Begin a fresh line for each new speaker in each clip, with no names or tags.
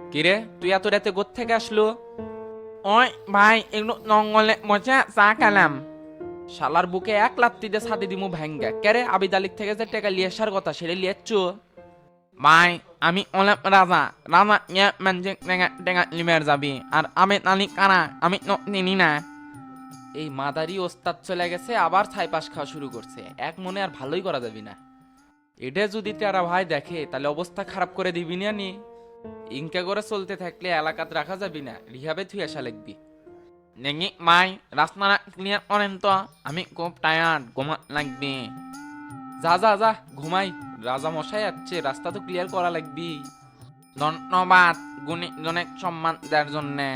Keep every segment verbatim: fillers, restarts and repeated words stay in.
কিরে তুই এত রাতে গোত থেকে আসলো?
ওই ভাই একটু জঙ্গলে বসে চা খেলাম।
শালার বুকে এক লাত্তি দিয়ে ছাদে দিমু ভাঙ্গা। কেরে আবিদ আলিক থেকে যে টাকা লিয়ে আসার কথা সেটা লিয়েছ?
ভাই আমি অলেপ রাজা রাজা ইয়ে মানে টেঙা টেঙা লিমের যাবি আর আমি নালি কারা আমি তো চিনি না।
এই মাদারি ওস্তাদ চলে গেছে, আবার ছাই পাশ খাওয়া শুরু করছে। এক মনে আর ভালোই করা যাবি না। এটা যদি তারা ভাই দেখে তাহলে অবস্থা খারাপ করে দিবি না নি। ইনকা করে চলতে থাকলে এলাকাত রাখা যাবি না, রিহাবে থুই আসা লাগবি।
দেখি ভাই রাস্তাটা ক্লিয়ার করেন তো, আমি খুব টায়ার্ড, ঘুমা লাগবে।
যা যা যা ঘুমাই, রাজা মশাই আসছে, রাস্তা তো ক্লিয়ার করা লাগবি।
ধন্যবাদ গুণীজনের সম্মান দেওয়ার জন্যে।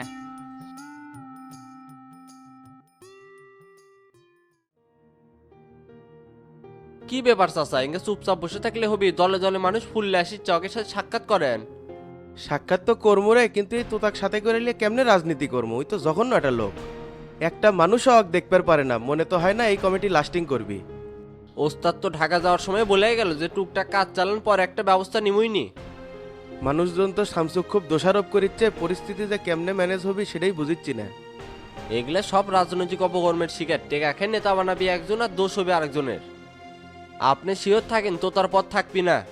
কি ব্যাপার চাচা, ইঙ্গে চুপচাপ বসে থাকলে হবি? দলে দলে মানুষ ফুললে আসি, চকের সাথে সাক্ষাৎ করেন।
সাক্ষাৎ তো কর্মু রে, কিন্তু এই তোতাক সাথে করে নিয়ে কেমনে রাজনীতি করবো? ওই তো জঘন্য একটা লোক, একটা মানুষও হক দেখতে পারে না। মনে তো হয় না এই কমিটি লাস্টিং করবি।
ওস্তাদ তো ঢাকা যাওয়ার সময় বলে গেল যে টুকটাক কাজ চালান পর একটা ব্যবস্থা নিমুইনি।
মানুষজন তো শামসুক খুব দোষারোপ করিচ্ছে, পরিস্থিতি যে কেমনে ম্যানেজ হবি সেটাই বুঝিচ্ছি না।
এগুলা সব রাজনৈতিক অপকর্মের শিকার। টেকা খেয়ে নেতা বানাবি একজন আর দোষ হবে আরেকজনের। আপনি শিওর থাকেন তো তার পথ থাকবি না।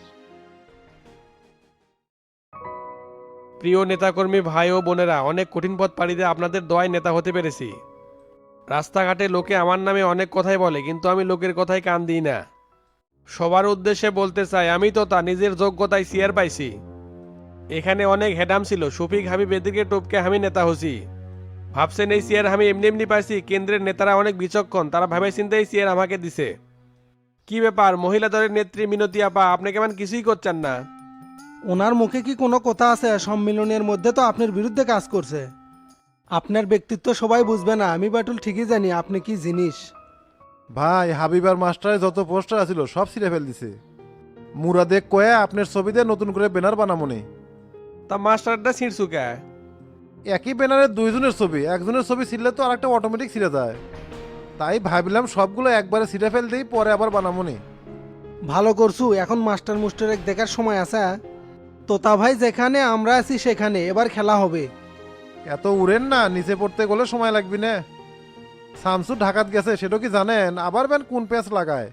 প্রিয় নেতাকর্মী ভাই ও বোনেরা, অনেক কঠিন পথ পাড়ি দিয়ে আপনাদের দোয়ায় নেতা হতে পেরেছি। রাস্তাঘাটে লোকে আমার নামে অনেক কথাই বলে, কিন্তু আমি লোকের কথাই কান দিই না। সবার উদ্দেশ্যে বলতে চাই, আমি তো তা নিজের যোগ্যতায় চেয়ার পাইছি। এখানে অনেক হেডাম ছিল, শফিক হাবিব এদিকে টপকে আমি নেতা হছি। ভাবছেন এই চেয়ার আমি এমনি এমনি পাইছি? কেন্দ্রের নেতারা অনেক বিচক্ষণ, তারা ভাবে চিন্তে এই চেয়ার আমাকে দিছে। কি ব্যাপার মহিলা দলের নেত্রী মিনতি আপা, আপনি কেমন কিছুই করছেন না?
ওনার মুখে কি কোনো কথা আছে? সম্মিলনের মধ্যে তো আপনার বিরুদ্ধে কাজ করছে। আপনার ব্যক্তিত্ব সবাই বুঝবে না, আমি বাটুল ঠিকই জানি আপনি কি জিনিস।
ভাই হাবিবার মাস্টারে যত পোস্টার আছিল সব ছিঁড়ে ফেল দিছে। মুরাদে কয়ে আপনার ছবিতে নতুন করে ব্যানার বানামনি।
তা মাস্টারটা ছিঁড়ছুকা?
একই ব্যানারে দুইজনের ছবি, একজনের ছবি ছিঁড়লে তো আরেকটা অটোমেটিক ছিঁড়ে যায়। তাই ভাবিলাম সবগুলো একবারে ছিঁড়ে ফেল দিই, পরে আবার বানামনি।
ভালো করছু, এখন মাস্টার মুস্টারেক দেখার সময় আছে? তোতা ভাই যেখানে আমরা আছি সেখানে, এবার খেলা হবে।
এত উড়েন না, নিচে পড়তে গেলে সময় লাগবে না। শামসু ঢাকাত গেছে সেটা কি জানেন? আবার ব্যান কোন পেঁচ লাগায়।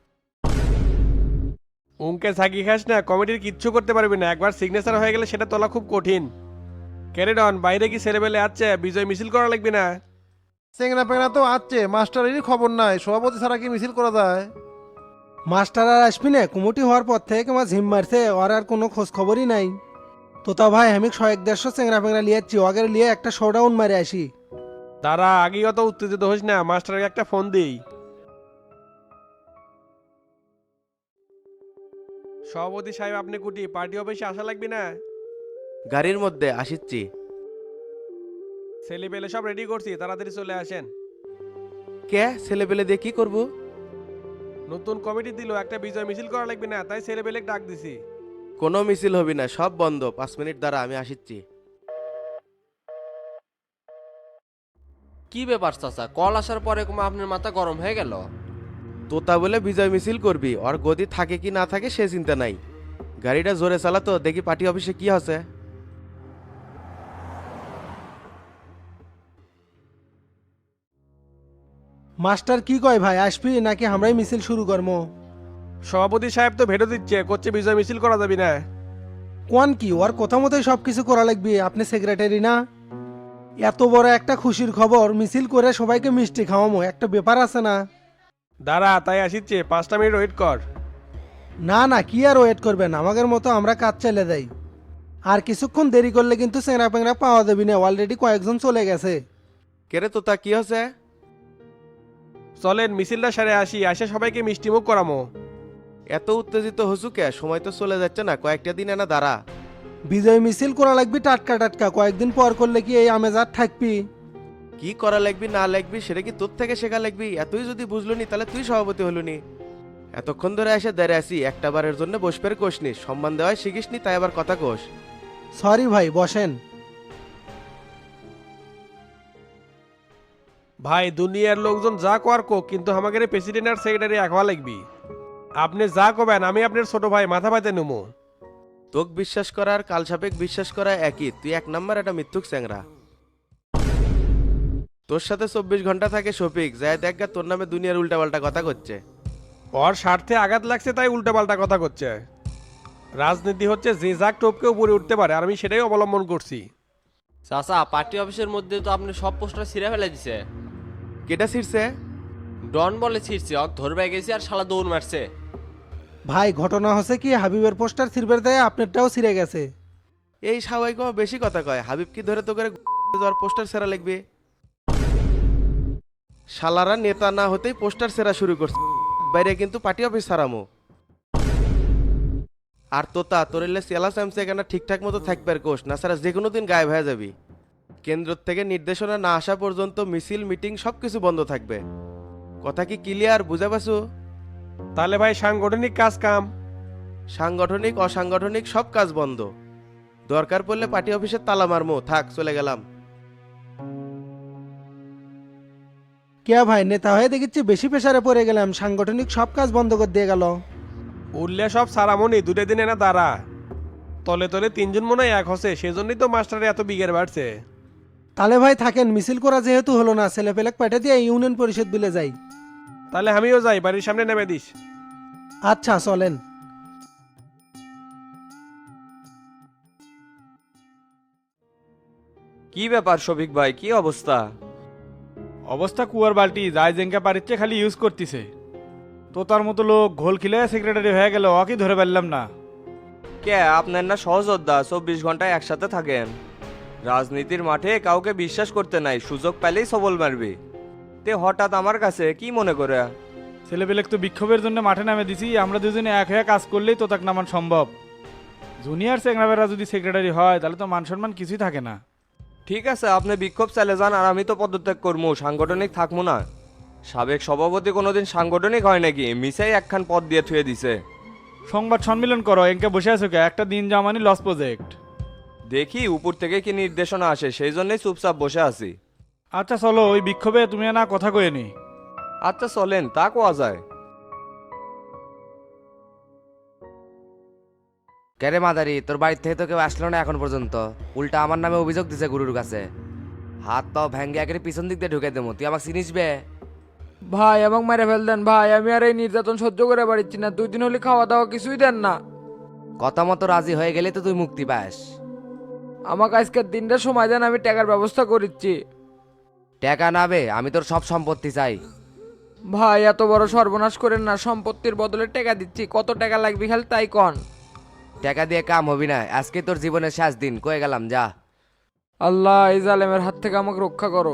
উনকে ছাগি খাস না, কমিটির কিচ্ছু করতে পারবি না। একবার সিগনেচার হয়ে গেলে সেটা তোলা খুব কঠিন। ক্যারেডন বাইরে কি ছেলেবেলে আছে? বিজয় মিছিল করা লাগবে না?
চেংনা পেংনা তো আছে, মাস্টারেরই খবর নাই। সভাপতি ছাড়া কি মিছিল করা যায়?
মাস্টার আর আসবি না, কুমুটি হওয়ার পর থেকে আমার ঝিম মারছে, ওর আর কোনো খোঁজ খবরই নাই। তোতা ভাই আমি শয়েক দেড়শো চেংরা ফেংরা লিয়াচ্ছি, ওগের লিয়ে একটা শোডাউন মারে আসি।
তারা আগেই অত উত্তেজিত হোস না, মাস্টারকে একটা ফোন দিই। সভাপতি সাহেব আপনি কুটি পার্টি অফিসে আসা লাগবে না?
গাড়ির মধ্যে আসিচ্ছি।
ছেলে পেলে সব রেডি করছি, তাড়াতাড়ি চলে আসেন।
কে ছেলে পেলে দিয়ে কি করবো?
নতুন কমিটি দিল, একটা বিজয় মিছিল করা লাগবে না, তাই ছেলে পেলে ডাক দিছি।
কোনো মিছিল হবি না, সব বন্ধ। পাঁচ মিনিট দ্বারা আমি আসিচ্ছি।
কি ব্যাপার চাচা, কল আসার পরে কুমা আপনার মাথা গরম হয়ে গেল?
তোতা বলে বিজয় মিছিল করবি, ওর গদি থাকে কি না থাকে সে চিন্তা নাই। গাড়িটা জোরে চালাতো, দেখি পার্টি অফিসে কি আছে।
মাস্টার কি কয় ভাই, আসবি নাকি আমরাই মিছিল শুরু করবো?
সভাপতি সাহেব তো ভেটো দিচ্ছে, করছে বিজয় মিছিল করা যাবে না।
কোন কি, ওর কথা মতোই সব কিছু করা লাগবে। আপনি সেক্রেটারি না? এত বড় একটা খুশির খবর, মিছিল করে সবাইকে মিষ্টি খাওয়ামো, একটা ব্যাপার আছে না?
দাঁড়া, তাই আসিচ্ছে, পাঁচটা মিনিট ওয়েট কর।
না না, কি আর ওয়েট করবেন, আমাদের মতো আমরা কাজ চালিয়ে দেই। আর কিছুক্ষণ দেরি করলে কিন্তু চেংরা পেংরা পাওয়া যাবে না, অলরেডি কয়েকজন চলে গেছে।
কেরে তোতা কি হচ্ছে?
চলেন মিছিলটা সারে আসি, আসে সবাইকে মিষ্টিমুখ করামো।
এত উত্তেজিত হসু কে? সময় তো চলে যাচ্ছে না, কয়েকটা দিন এনা দাঁড়া।
বিজয় মিছিল করা লাগবে টাটকা টাটকা, কয়েকদিন পর করলে কি এই আমেজ আর থাকবি?
কি করা লাগবি না লাগবি সেটা কি তোর থেকে শেখা লাগবি? এতই যদি বুঝলো নি তাহলে তুই সভাপতি হলো নি। এতক্ষণ ধরে এসে দাঁড়িয়ে আসি, একটা বারের জন্য বসপের কোষনি, সম্মান দেওয়ায় শিখিসনি, তাই আবার কথা কোষ।
সরি ভাই, বসেন।
ভাই দুনিয়ার লোকজন যা কর কোক, কিন্তু আমাদের প্রেসিডেন্ট আর সেক্রেটারি এক হওয়া লাগবি। আপনি যা কবেন আমি আপনার ছোট ভাই, মাথা পাতে নেবো।
তোক বিশ্বাস করা আর কালসাপেক বিশ্বাস করা একই, তুই এক নাম্বার একটা মিথ্যুক চ্যাংরা। তোর সাথে চব্বিশ ঘন্টা থাকে শফিক, যায় দেখ গা তোর নামে দুনিয়ার উল্টাপাল্টা কথা করছে।
ওর স্বার্থে আঘাত লাগছে তাই উল্টাপাল্টা কথা করছে। রাজনীতি হচ্ছে যে যাক টোপকে উপরে উঠতে পারে, আর আমি সেটাই অবলম্বন করছি।
চাচা পার্টি অফিসের মধ্যে তো আপনি সব পোস্টার ছিঁড়ে ফেলে দিছে।
কেটা ছিড়ছে?
ডন বলে ছিঁড়ছে, অক ধরবে গেছি আর শালা দৌড় মারছে।
ভাই ঘটনা হচ্ছে কি, হাবিবের পোস্টার ছিঁড়বে দেয় আপনারটাও ছিঁড়ে গেছে।
এই স্বাভাবিক বেশি কথা কয়, হাবিব কি ধরে তো করে যাওয়ার পোস্টার সেরা লিখবে? শালারা নেতা না হতেই পোস্টার সেরা শুরু করছে, বাইরে কিন্তু পার্টি অফিস সারামো। আর তোতা তোর এলে সেলা স্যামসে এখানে ঠিকঠাক মতো থাকবে আর কোষ না, সারা যে কোনো দিন গায়েব হয়ে যাবি। কেন্দ্র থেকে নির্দেশনা না আসা পর্যন্ত মিছিল মিটিং সবকিছু বন্ধ থাকবে। কথা কি ক্লিয়ার, বুঝা পাসু?
তাহলে ভাই সাংগঠনিক কাজ কাম?
সাংগঠনিক অসাংগঠনিক সব কাজ বন্ধ। দরকার পড়লে পার্টি অফিসের তালা মারমো। থাক, চলে গেলাম।
কে ভাই, নেতা হয়ে দেখেছি বেশি প্রেসারে পড়ে গেলাম, সাংগঠনিক সব কাজ বন্ধ করে দিয়ে গেল।
উঠলে সব সারামনি দুটো দিন এনা দাঁড়া। তলে তলে তিনজন মনে হয় এক হসে, সেজন্যই তো মাস্টারে এত বিঘের বাড়ছে।
তাহলে ভাই থাকেন, মিছিল করা যেহেতু হলো না, ছেলে পেলেক পাঠিয়ে দিয়ে ইউনিয়ন পরিষদ বিলে যাই।
তাহলে আমিও যাই, বাড়ির সামনে নেমে দিস।
আচ্ছা চলেন।
কি ব্যাপার শফিক ভাই, কি অবস্থা?
অবস্থা কুয়ার বালতি, যাই জেঙ্কা পারিচ্ছে খালি ইউজ করতেছে। তো তার মতো লোক ঘোল খিলে সেক্রেটারি হয়ে গেল, ওকে ধরে পারলাম না।
কে আপনার না সহযোদ্ধা, চব্বিশ ঘন্টায় একসাথে থাকেন। রাজনীতির মাঠে কাউকে বিশ্বাস করতে নাই, সুযোগ পেলেই সবল মারবে। তে হঠাৎ আমার কাছে কি মনে করে?
ছেলেপেলেক তো বিক্ষোভের জন্য মাঠে নামে দিছি, আমরা দুজনে এক হয়ে কাজ করলেই তো তাক নামান সম্ভব। জুনিয়র সেক্রেটারিরা যদি সেক্রেটারি হয় তাহলে তো মান সম্মান কিছুই থাকে না।
ঠিক আছে, আপনি বিক্ষোভ চালে যান, আর আমি তো পদত্যাগ করবো, সাংগঠনিক থাকবো না। সাবেক সভাপতি কোনোদিন সাংগঠনিক হয় নাকি? মিসাই একখান পদ দিয়ে থুয়ে দিছে।
সংবাদ সম্মেলন করো, এনকে বসে আছো কে? একটা দিন জামানি লস প্রজেক্ট।
দেখি উপর থেকে কি নির্দেশনা আসে, সেই জন্যই চুপচাপ বসে আছি।
আচ্ছা চলো, ওই বিক্ষোভে তুমি না কথা কয়ে নি।
আচ্ছা চলেন, তা কোয়া যায়।
কেরে মাদারি, তোর বাড়ির থেকে তো কেউ আসলো না এখন পর্যন্ত, উল্টা আমার নামে অভিযোগ দিছে গুরুর কাছে। হাত পাও ভেঙ্গে একের পিছন দিক দিয়ে ঢুকে দেবো, তুই আমাকে চিনিস বে?
ভাই আমাকে মেরে ফেল দেন ভাই, আমি আর এই নির্যাতন সহ্য করে পারছি না। দুই দিন হলে খাওয়া দাওয়া কিছুই দেন না।
কথা মতো রাজি হয়ে গেলে তো তুই মুক্তি পাস।
আমাকে আজকের দিনটা সময় দেন, আমি টাকার ব্যবস্থা করিচ্ছি।
টাকা নাবে, আমি তোর সব সম্পত্তি চাই।
ভাই এত বড় সর্বনাশ করেন না, সম্পত্তির বদলে টাকা দিচ্ছি। কত টাকা লাগবে খালি তাই কন।
টাকা দিয়ে কাম হবি না, আজকে তোর জীবনের শেষ দিন, কয়ে গেলাম যা।
আল্লাহ এই জালেমের হাত থেকে আমাকে রক্ষা করো।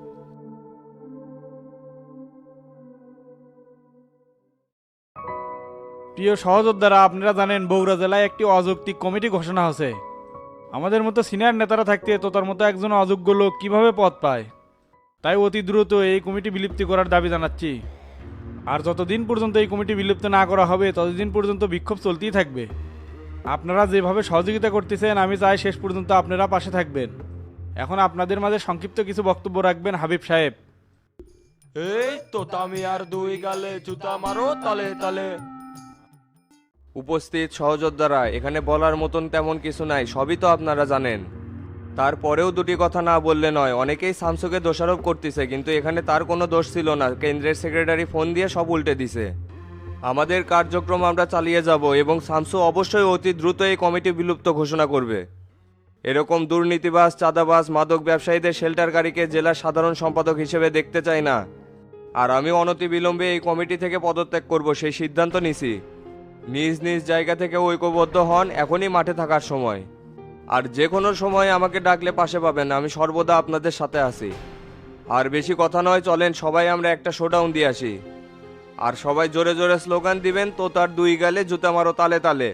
প্রিয় সহযোদ্ধারা, আপনারা জানেন বগুড়া জেলায় একটি অযৌক্তিক কমিটি ঘোষণা হয়েছে। আমাদের মতো সিনিয়র নেতারা থাকতে তো তার মতো একজন অযোগ্য লোক কিভাবে পদ পায়? তাই অতি দ্রুত এই কমিটি বিলুপ্তি করার দাবি জানাচ্ছি। আর যতদিন পর্যন্ত এই কমিটি বিলুপ্ত না করা হবে ততদিন পর্যন্ত বিক্ষোভ চলতেই থাকবে। আপনারা যেভাবে সহযোগিতা করতেছেন, আমি চাই শেষ পর্যন্ত আপনারা পাশে থাকবেন। এখন আপনাদের মাঝে সংক্ষিপ্ত কিছু বক্তব্য রাখবেন হাবিব সাহেব।
এই তো তামি আর দুই গালে জুতা মারো তালে তালে। উপস্থিত সহযোদ্ধারা, এখানে বলার মতন তেমন কিছু নাই, সবই তো আপনারা জানেন। তারপরেও দুটি কথা না বললে নয়। অনেকেই শামসুকে দোষারোপ করতেছে, কিন্তু এখানে তার কোনো দোষ ছিল না। কেন্দ্রের সেক্রেটারি ফোন দিয়ে সব উল্টে দিছে। আমাদের কার্যক্রম আমরা চালিয়ে যাব এবং শামসু অবশ্যই অতি দ্রুত এই কমিটি বিলুপ্ত ঘোষণা করবে। এরকম দুর্নীতিবাজ, চাঁদাবাজ, মাদক ব্যবসায়ীদের শেল্টারকারীকে জেলার সাধারণ সম্পাদক হিসেবে দেখতে চাই না। আর আমি অনতিবিলম্বে এই কমিটি থেকে পদত্যাগ করব, সেই সিদ্ধান্ত নিছি। নিজ নিজ জায়গা থেকে ঐক্যবদ্ধ হন, এখনই মাঠে থাকার সময়। আর যে কোনো সময় আমাকে ডাকলে পাশে পাবেন, আমি সর্বদা আপনাদের সাথে আছি। আর বেশি কথা নয়, চলেন সবাই আমরা একটা শোডাউন দিয়ে আসি। আর সবাই জোরে জোরে স্লোগান দিবেন, তো তার দুই গালে জুতা মারো তালে তালে।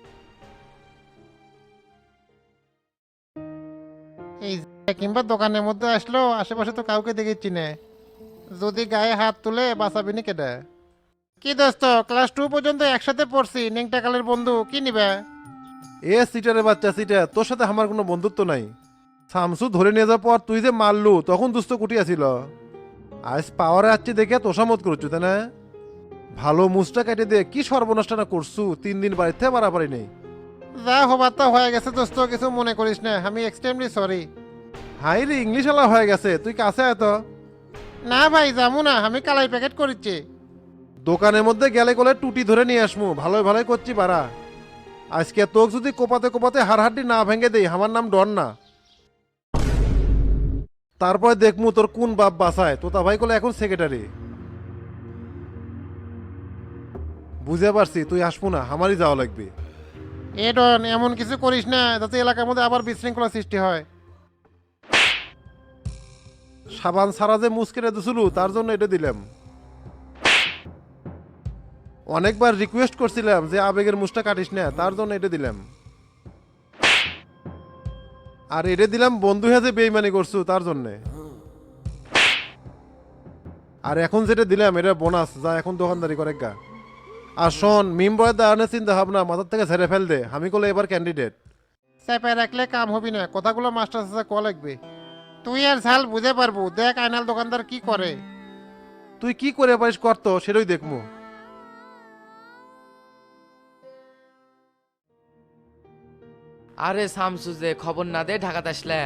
এই কিংবা দোকানের মধ্যে আসলো, আশেপাশে তো কাউকে দেখেছি না। যদি গায়ে হাত তুলে বাঁচাবি নি কেটে? কি দোস্ত, ক্লাস টু পর্যন্ত একসাথে পড়ছি, নেংটাকালের বন্ধু, কি নিবে?
এ সিটারে বাচ্চা সিটা, তোর সাথে আমার কোনো বন্ধুত্ব নাই। শামসু ধরে নিয়ে যাওয়ার পর তুই যে মারলু, তখন দুস্থ কুটি আসিল। আজ পাওয়ারে আসছি দেখে তোষামত করছু তাই না? ভালো মুসটা কেটে দিয়ে কি সর্বনষ্ট না করছু, তিন দিন বাড়িতে মারা পারি নেই।
যা হবার তা হয়ে গেছে দোস্ত, কিছু মনে করিস না, আমি এক্সট্রিমলি সরি।
হাই রে, ইংলিশ আলা হয়ে গেছে, তুই কাছে আয় তো।
না ভাই যাবো না, আমি কালাই প্যাকেট করিচ্ছি।
দোকানের মধ্যে গেলে গেলে টুটি ধরে নিয়ে আসমু, ভালোই ভালোই করছি বাড়া। আজকে তোক যদি কোপাতে কোপাতে হাড়হাড্ডি না ভেঙে দেই, আমার নাম ডন না। তারপর দেখমু তোর কোন বাপ বাসায়। তোতা ভাই কলে এখন সেক্রেটারি। বুঝে পারছি তুই আসবো না, আমারই যাওয়া লাগবে।
এ ডন, এমন কিছু করিস না যাতে এলাকার মধ্যে আবার বিশৃঙ্খলা সৃষ্টি হয়।
সাবান সারা যে মুস্কেরে দিছিল তার জন্য এটা দিলাম। অনেকবার রিকোয়েস্ট করছিলাম যে আবেগের মুসটা কাটিস না, তার জন্য এটা দিলাম। আর এটা দিলাম বন্ধু হয়ে যে বেইমানি করছু তার জন্যে। আর এখন যেটা দিলাম এটা বোনাস, যা এখন দোকানদারি করে গা। আর শোন, মিম বয়ের দাঁড়ানোর চিন্তা ভাবনা মাথার থেকে ঝেড়ে ফেল দে, আমি কলে এবার ক্যান্ডিডেট।
চেপে রাখলে কাম হবি না, কথাগুলো মাস্টার সাথে ক লাগবে। তুই আর ঝাল বুঝে পারবো, দেখ আইনাল দোকানদার কি করে।
তুই কি করে পারিস করতো সেটাই দেখবো।
আরে শামসু যে খবর না দে ঢাকাতে আসলে।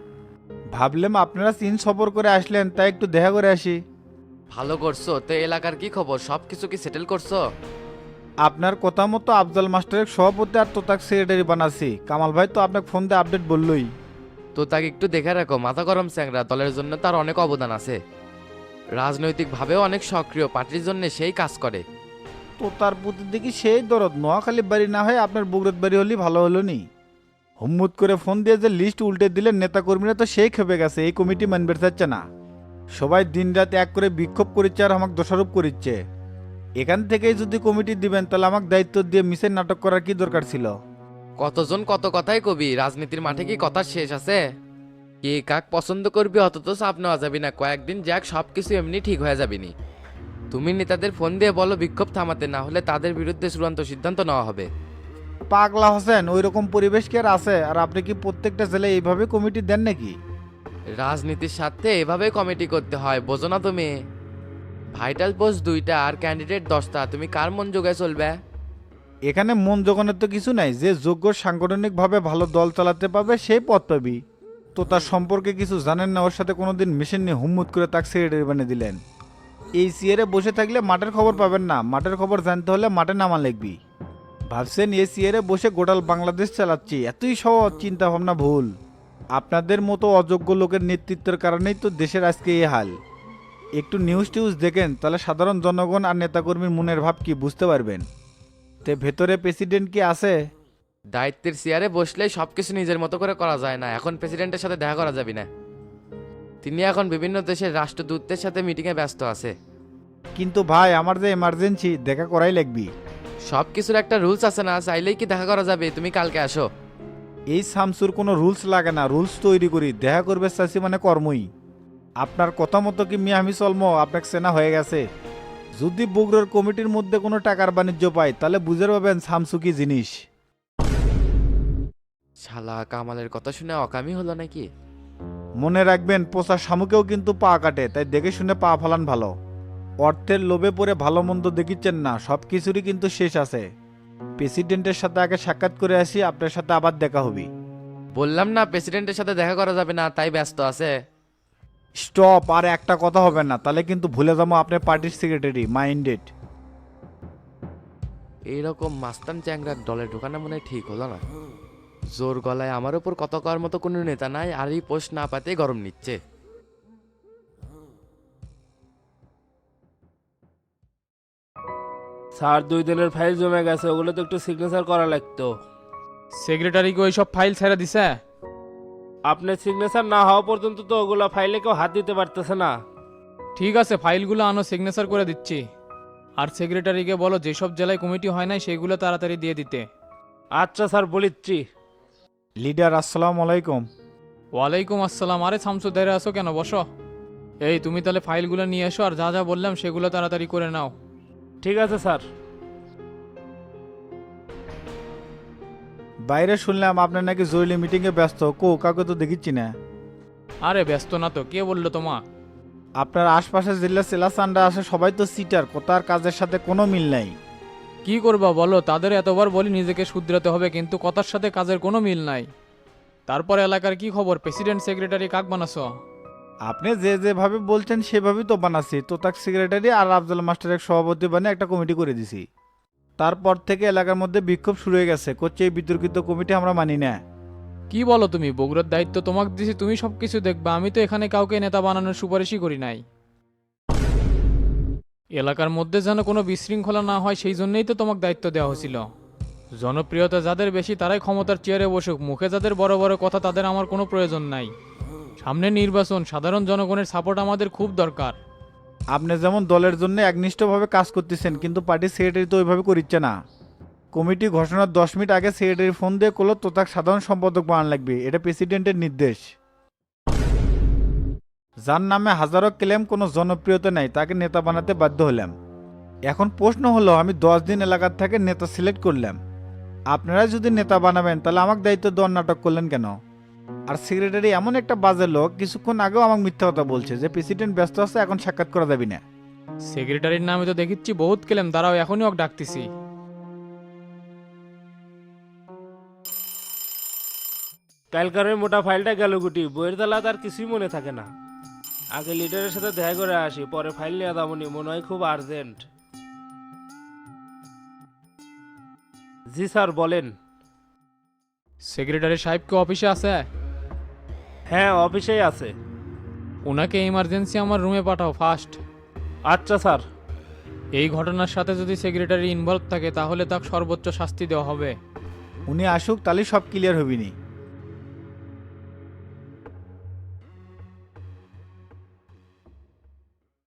ভাবলাম আপনারা চীন সফর করে আসলেন, তাই একটু দেখা করে আসি।
ভালো করছো। তো এলাকার কি খবর, সব কিছু কি সেটেল করছো?
আপনার কথা মতো আফজাল মাস্টারের সভাপতি আর তোতাক সেক্রেটারি বানাচ্ছি। কামাল ভাই তো আপনাকে ফোন দিয়ে আপডেট বললই।
তো তাকে একটু দেখে রাখো, মাথা গরম চ্যাংরা, দলের জন্য তার অনেক অবদান আছে। রাজনৈতিকভাবেও অনেক সক্রিয়, পার্টির জন্য সেই কাজ করে।
তো তার প্রতি দেখি সেই দরদ, নোয়াখালী বাড়ি না হয় আপনার বুগরত বাড়ি হলেই ভালো হলো নি। হুম্মুত করে ফোন দিয়ে যে লিস্ট উল্টে দিলেন, নেতাকর্মীরা তো সেই খেপে গেছে, এই কমিটি মানবে চাচ্ছে না। সবাই দিন রাত এক করে বিক্ষোভ করিচ্ছে আর আমাকে দোষারোপ করিচ্ছে। এখান থেকেই যদি কমিটি দিবেন তাহলে আমাকে দায়িত্ব দিয়ে মিসের নাটক করার কি দরকার ছিল?
কতজন কত কথাই কবি, রাজনীতির মাঠে কি কথা শেষ আছে? কে কাক পছন্দ করবি অত তো চাপ নেওয়া যাবে না, কয়েকদিন যাক সবকিছু এমনি ঠিক হয়ে যাবে নি। তুমি নেতাদের ফোন দিয়ে বলো বিক্ষোভ থামাতে, না হলে তাদের বিরুদ্ধে চূড়ান্ত সিদ্ধান্ত নেওয়া হবে।
পাগলা হোসেন, ওই রকম পরিবেশ কি আর আছে? আর আপনি কি প্রত্যেকটা জেলায় এইভাবে কমিটি দেন নাকি?
রাজনীতির সাথে এভাবে কমিটি করতে হয়, বোঝো না তুমি? ভাইটাল পোস্ট দুইটা আর ক্যান্ডিডেট দশটা, তুমি কার মন যোগায় চলবে?
এখানে মন জোগানোর তো কিছু নাই, যে যোগ্য সাংগঠনিকভাবে ভালো দল চালাতে পারবে সেই পদ পাবি। তো তার সম্পর্কে কিছু জানেন না, ওর সাথে কোনোদিন মিশন নিয়ে হুম্মুত করে তাকে সেক্রেটারি বানিয়ে দিলেন। এই সিয়ারে বসে থাকলে মাঠের খবর পাবেন না, মাঠের খবর জানতে হলে মাঠে নামা লিখবি। ভাবছেন এই সিয়ারে বসে গোটাল বাংলাদেশ চালাচ্ছি, এতই সহজ? চিন্তা ভাবনা ভুল। আপনাদের মতো অযোগ্য লোকের নেতৃত্বের কারণেই তো দেশের আজকে এই হাল। একটু নিউজ টিউজ দেখেন, তাহলে সাধারণ জনগণ আর নেতাকর্মীর মনের ভাব কি বুঝতে পারবেন। তে ভেতরে প্রেসিডেন্ট কি আছে?
দায়িত্বের চেয়ারে বসলে সবকিছু নিজের মতো করে করা যায় না, এখন প্রেসিডেন্টের সাথে দেখা করা যাবে না। তিনি এখন বিভিন্ন দেশের রাষ্ট্রদূতদের সাথে মিটিংয়ে ব্যস্ত আছে।
কিন্তু ভাই, আমার যে এমার্জেন্সি, দেখা করাই লাগবি।
সব কিছুর একটা রুলস আছে না, চাইলেই কি দেখা করা যাবে? তুমি কালকে আসো।
এই সামসুর কোনো রুলস লাগে না, রুলস তৈরি করি। দেখা করবে চাচ্ছি মানে কর্মই। আপনার কথা মতো কি মিয়া আমি চলমো? আপনাকে চেনা হয়ে গেছে। যদি বগুড়ার কমিটির মধ্যে কোনো টাকার বাণিজ্য পাই তাহলে বুঝে পাবেন সামসু কি জিনিস।
শালা কামালের কথা শুনে অকামি হলো নাকি?
মনে রাখবেন, পোষা শামুকেও কিন্তু পা কাটে, তাই দেখে শুনে পা ফালান ভালো। অর্থের লোভে পড়ে ভালো মন্দ দেখিচ্ছেন না, সব কিছুরই কিন্তু শেষ আছে। প্রেসিডেন্টের সাথে আগে সাক্ষাৎ করে আসি, আপনার সাথে আবার দেখা হবে।
বললাম না প্রেসিডেন্টের সাথে দেখা করা যাবে না, তাই ব্যস্ত আছে।
স্টপ, আর একটা কথা হবে না, তাহলে কিন্তু ভুলে যাবো আপনার পার্টির সেক্রেটারি মাইন্ডেড।
এইরকম মাস্তান চ্যাংরার দলে ঢোকানো মনে হয় ঠিক হলো না। জোর গলায় আমার উপর কত করার মতো কোনো নেতা নাই, আর এই পোস্ট না পাতে গরম নিচ্ছে।
স্যার, দুই দিনের ফাইল জমে গেছে, ওগুলো তো একটু সিগনেচার করা লাগতো।
সেক্রেটারিকে ওই সব ফাইল ছেড়ে দিছে?
আপনার সিগনেচার না হওয়া পর্যন্ত তো ওগুলো ফাইলে কেউ হাত দিতে পারতেছে না।
ঠিক আছে, ফাইলগুলো আনো, সিগনেচার করে দিচ্ছি। আর সেক্রেটারিকে বলো যেসব জেলায় কমিটি হয় নাই সেগুলো তাড়াতাড়ি দিয়ে দিতে।
আচ্ছা স্যার, বলিচ্ছি।
লিডার, আসসালামু আলাইকুম।
ওয়ালাইকুম আসসালাম। আরে শামসু, দেরে আসো কেন? বসো। এই তুমি তাহলে ফাইলগুলো নিয়ে এসো, আর যা যা বললাম সেগুলো তাড়াতাড়ি করে নাও।
ঠিক আছে স্যার।
বাইরে শুনলাম আপনার নাকি জরুরি মিটিংয়ে ব্যস্ত, কো কাউকে তো দেখিচ্ছি না।
আরে ব্যস্ত না তো, কে বললো তোমা?
আপনার আশপাশে জেলা সেলা চান্ডা আছে, সবাই তো সিটার, কোথার কাজের সাথে কোনো মিল নাই।
কি করবা বলো, তাদের এতবার বলি নিজেকে শুধরাতে হবে, কিন্তু কথার সাথে কাজের কোনো মিল নাই। তারপর এলাকার কি খবর, প্রেসিডেন্ট সেক্রেটারি কাক বানাছো?
আপনি যে যেভাবে বলছেন সেভাবেই তো বানাচ্ছি। তো তাক সেক্রেটারি আর আফজাল মাস্টারের সভাপতি বানিয়ে একটা কমিটি করে দিছি। তারপর থেকে এলাকার মধ্যে বিক্ষোভ শুরু হয়ে গেছে, করছে এই বিতর্কিত কমিটি আমরা মানি না।
কি বলো তুমি? বগুড়ার দায়িত্ব তোমাকে দিছি, তুমি সব কিছু দেখবা। আমি তো এখানে কাউকে নেতা বানানোর সুপারিশই করি নাই। এলাকার মধ্যে যেন কোনো বিশৃঙ্খলা না হয় সেই জন্যই তো তোমাকে দায়িত্ব দেওয়া হয়েছিল। জনপ্রিয়তা যাদের বেশি তারাই ক্ষমতার চেয়ারে বসুক, মুখে যাদের বড় বড় কথা তাদের আমার কোনো প্রয়োজন নাই। সামনে নির্বাচন, সাধারণ জনগণের সাপোর্ট আমাদের খুব দরকার।
আপনি যেমন দলের জন্য একনিষ্ঠভাবে কাজ করতেছেন, কিন্তু পার্টির সেক্রেটারি তো ওইভাবে করিচ্ছে না। কমিটি ঘোষণার দশ মিনিট আগে সেক্রেটারি ফোন দিয়ে করলো তো তাকে সাধারণ সম্পাদক বানানো লাগবে, এটা প্রেসিডেন্টের নির্দেশ। যার নামে হাজারো ক্লেম, কোনো জনপ্রিয়তা নেই, তাকে নেতা বানাতে বাধ্য হলাম। এখন প্রশ্ন হলো, আমি দশ দিন এলাকার থেকে নেতা সিলেক্ট করলাম, আপনারা যদি নেতা বানাবেন তাহলে আমাকে দায়িত্ব দেওয়ার নাটক করলেন কেন? আর সেক্রেটারি এমন একটা বাজে লোক, কিছুক্ষণ আগেও আমাকে মিথ্যা কথা বলছে যে প্রেসিডেন্ট ব্যস্ত আছে, এখন সাক্ষাৎ করা যাবে না।
সেক্রেটারির নামে তো দেখিচ্ছি বহুত কেলেম, দাঁড়াও এখনই ওকে ডাকতেছি।
কালকারের মোটা ফাইলটা গেল গুটি, বইয়ের তালা তার কিছুই মনে থাকে না। আগে লিডারের সাথে দেখা করে আসি, পরে ফাইল নিয়ে দামনি, মনে হয় খুব আর্জেন্ট। জি স্যার বলেন।
সেক্রেটারি সাহেব কি অফিসে আছে?
হ্যাঁ অফিসেই আছে।
ওনাকে ইমার্জেন্সি আমার রুমে পাঠাও ফার্স্ট।
আচ্ছা স্যার।
এই ঘটনার সাথে যদি সেক্রেটারি ইনভলভ থাকে তাহলে তাকে সর্বোচ্চ শাস্তি দেওয়া হবে।
উনি আসুক, তাহলে সব ক্লিয়ার হবিনি।